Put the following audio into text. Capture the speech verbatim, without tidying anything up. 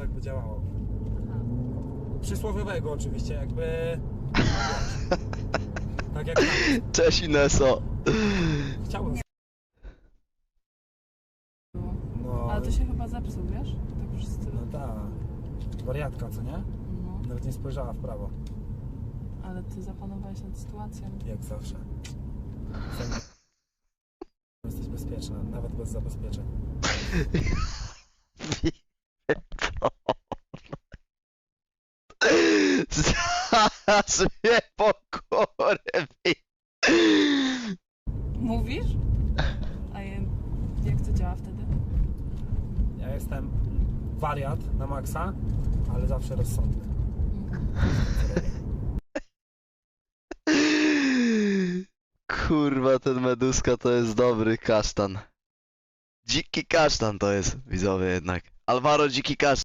tak by działało. Aha. Przysłowiowego oczywiście, jakby... wiesz, tak jak tam. Cześć Ineso. Chciałbym... Było. No, Ale to się chyba zepsuł, wiesz? Tak wszyscy... no ta wariatka, co nie? No, Nawet nie spojrzała w prawo, ale ty zapanowałeś nad sytuacją. jak zawsze. Jesteś bezpieczna, nawet bez zabezpieczeń. Zaraz mnie pokurwi. Mówisz? A je- jak to działa wtedy? Ja jestem wariat na maksa, ale zawsze rozsądny. Kurwa, ten Meduska to jest dobry kasztan. Dziki kasztan to jest, widzowie jednak. Alvaro dziki kasztan.